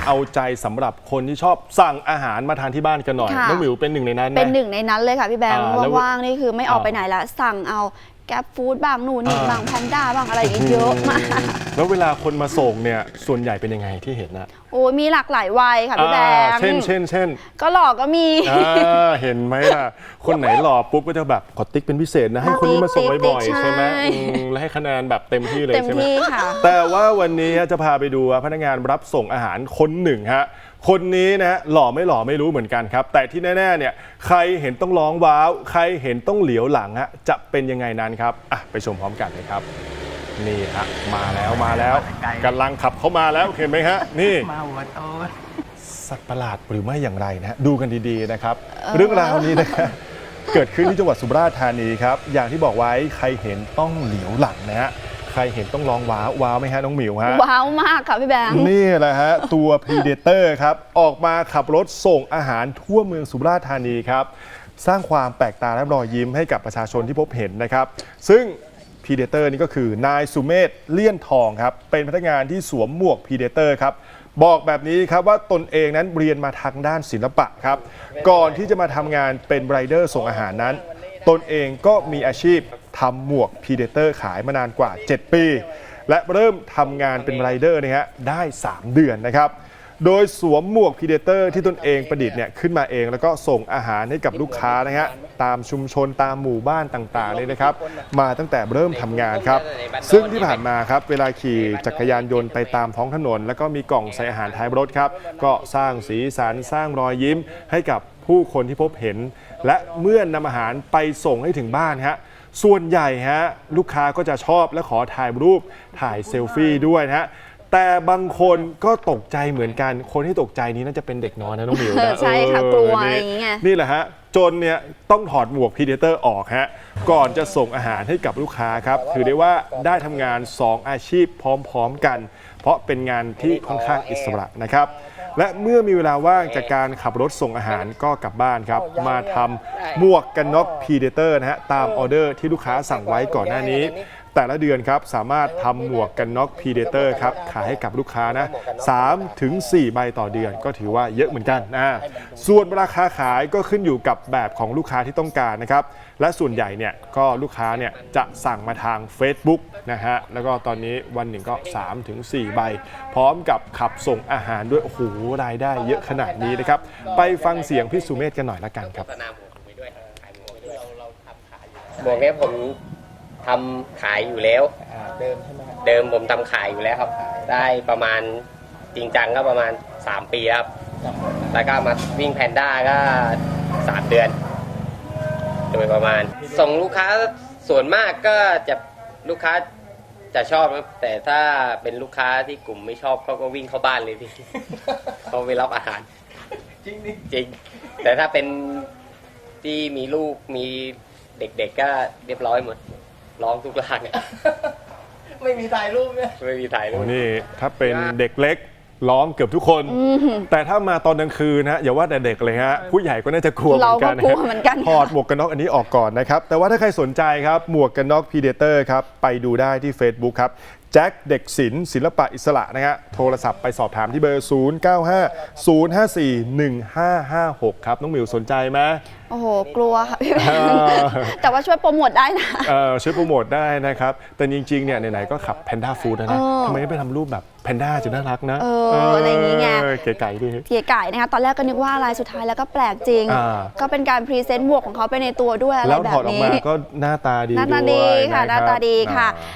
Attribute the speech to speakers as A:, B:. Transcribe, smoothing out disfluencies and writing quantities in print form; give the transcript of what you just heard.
A: เอาใจสำหรับคนที่ชอบสั่งอาหารมาทานที่บ้านกันหน่อยน้องหมิวเป็นหนึ่งในนั้นไหม
B: เป็นหนึ่งในนั้นเลยค่ะพี่แบงค์ว่างๆนี่คือไม่ออกไปไหนละสั่งเอาแก๊ปฟู้ดบ้างนู่นนี่บ้างแพนด้าบ้างอะไรอย่างเงี้ยเยอะมาก
A: แล้วเวลาคนมาส่งเนี่ยส่วนใหญ่เป็นยังไงที่เห็นนะ
B: โอ้มีหลากหลายวัยค่ะพี่แบงค์
A: เช่น
B: ก็หล่อก็มี
A: เห็นไหมล่ะคนไหนหล่อปุ๊บก็จะแบบขอติ๊กเป็นพิเศษนะให้คนนี้มาส่งบ่อยๆใช่ไหมและให้คะแนนแบบเต็มที่เลยใช่ไหมแต่ว่าวันนี้จะพาไปดูพนักงานรับส่งอาหารคนหนึ่งฮะคนนี้นะหล่อไม่รู้เหมือนกันครับแต่ที่แน่ๆเนี่ยใครเห็นต้องร้องว้าวใครเห็นต้องเหลียวหลังฮะจะเป็นยังไงนั้นครับไปชมพร้อมกันเลยครับนี่ฮะมาแล้วกำลังขับเข้ามาแล้วเห็นไหมฮะนี่มาหัวโตสัตว์ประหลาดหรือไม่อย่างไรนะดูกันดีๆนะครับเรื่องราวนี้นะครับเกิดขึ้นที่จังหวัดสุราษฎร์ธานีครับอย่างที่บอกไว้ใครเห็นต้องเหลียวหลังนะฮะใครเห็นต้องร้องว้าวไหมฮะน้องหมิวฮะ
B: ว้าวมากค่ะพี่แบงค์
A: นี่แหละฮะตัว Predator ครับออกมาขับรถส่งอาหารทั่วเมืองสุราษฎร์ธานีครับสร้างความแปลกตาและรอยยิ้มให้กับประชาชนที่พบเห็นนะครับซึ่ง Predator นี่ก็คือนายสุเมธเลี่ยนทองครับเป็นพนักงานที่สวมหมวก Predator ครับบอกแบบนี้ครับว่าตนเองนั้นเรียนมาทางด้านศิลปะครับก่อนที่จะมาทำงานเป็นไรเดอร์ส่งอาหารนั้นตนเองก็มีอาชีพทำหมวก Predator ขายมานานกว่า 7 ปีและเริ่มทำงานเป็นไรเดอร์นะฮะได้ 3 เดือนนะครับโดยสวมหมวก Predator ที่ตนเองประดิษฐ์เนี่ยขึ้นมาเองแล้วก็ส่งอาหารให้กับลูกค้านะฮะตามชุมชนตามหมู่บ้านต่างๆเลยนะครับมาตั้งแต่เริ่มทำงานครับซึ่งที่ผ่านมาครับเวลาขี่จักรยานยนต์ไปตามท้องถนนแล้วก็มีกล่องใส่อาหารท้ายรถครับก็สร้างสีสันสร้างรอยยิ้มให้กับผู้คนที่พบเห็นและเมื่อนำอาหารไปส่งให้ถึงบ้านฮะส่วนใหญ่ฮะลูกค้าก็จะชอบและขอถ่ายรูปถ่ายเซลฟี่ด้วยนะฮะแต่บางคนก็ตกใจเหมือนกันคนที่ตกใจนี้น่าจะเป็นเด็กน้อยนะน้องหมิวนะ
B: ใช่ค่ะกลัวอะไรอย่างเงี้ย
A: นี่แหละฮะจนเนี่ยต้องถอดหมวก Predator ออกฮะก่อนจะส่งอาหารให้กับลูกค้าครับถือได้ว่าได้ทำงาน2อาชีพพร้อมๆกันเพราะเป็นงานที่ค่อนข้างอิสระนะครับและเมื่อมีเวลาว่างจากการขับรถส่งอาหารก็กลับบ้านครับมาทำหมวกกันน็อก Predator นะฮะตามออเดอร์ที่ลูกค้าสั่งไว้ก่อนหน้านี้แต่ละเดือนครับสามารถทำหมวกกันน็อก Predator ครับขายให้กับลูกค้านะ3 ถึง 4 ใบต่อเดือนก็ถือว่าเยอะเหมือนกันส่วนราคาขายก็ขึ้นอยู่กับแบบของลูกค้าที่ต้องการนะครับและส่วนใหญ่เนี่ยก็ลูกค้าเนี่ยจะสั่งมาทาง Facebook นะฮะแล้วก็ตอนนี้วันหนึ่งก็ 3 ถึง 4 ใบพร้อมกับขับส่งอาหารด้วยโอ้โหรายได้เยอะขนาดนี้นะครับไปฟังเสียงพี่สุเมธกันหน่อยละกันครับ
C: หมวกนี้ผมทำขายอยู่แล้วเดิมใช่ไหมเดิมผมทำขายอยู่แล้วครับได้ประมาณจริงจังก็ประมาณ3 ปีครับแล้วก็มาวิ่งแพนด้าก็3 เดือนโดยประมาณส่งลูกค้าส่วนมากก็จะลูกค้าจะชอบครับแต่ถ้าเป็นลูกค้าที่กลุ่มไม่ชอบเขาก็วิ่งเข้าบ้านเลยพี่เขาไปรับอาหารจริงแต่ถ้าเป็นที่มีลูกมีเด็กๆก็เรียบร้อยหมดร้องทุกลาง
D: ไม่มีถ่ายรูปเนี่ย
C: ไม่มีถ่ายรูป
A: นี่ถ้าเป็นเด็กเล็กร้องเกือบทุกคนแต่ถ้ามาตอนกลางคืนนะอย่าว่าแต่เด็กเลยฮะผู้ใหญ่ก็น่าจะกลัวเหมือนกันถอดหมวกกันน็อกอันนี้ออกก่อนนะครับแต่ว่าถ้าใครสนใจครับหมวกกันน็อก Predator ครับไปดูได้ที่ Facebook ครับแจ็คเด็กศิลปะอิสระนะฮะโทรศัพท์ไปสอบถามที่เบอร์ 0950541556 ครับน้องหมิวสนใจไหม
B: โอ้โหกลัวค่ะพี่แบงค์แต่ว่าช่วยโปรโมทได้นะ
A: ช่วยโปรโมทได้นะครับแต่จริงๆเนี่ยไหนๆก็ขับแพนด้าฟู้ดนะทำไมไม่ไปทำรูปแบบแพนด้าจะน่ารักนะ
B: อะไรอย่างงี้ไง
A: เก๋ไก่ดิ
B: เก๋ไก่นะคะตอนแรกก็นึกว่าอะไรสุดท้ายแล้วก็แปลกจริงก็เป็นการพรีเซนต์หมวกของเขาไปในตัวด้วยอะไรแบบนี้
A: แล้วถอดออกมาก็หน้าตาดี
B: หน้าตาดีค่ะหน้าตาดีค่ะ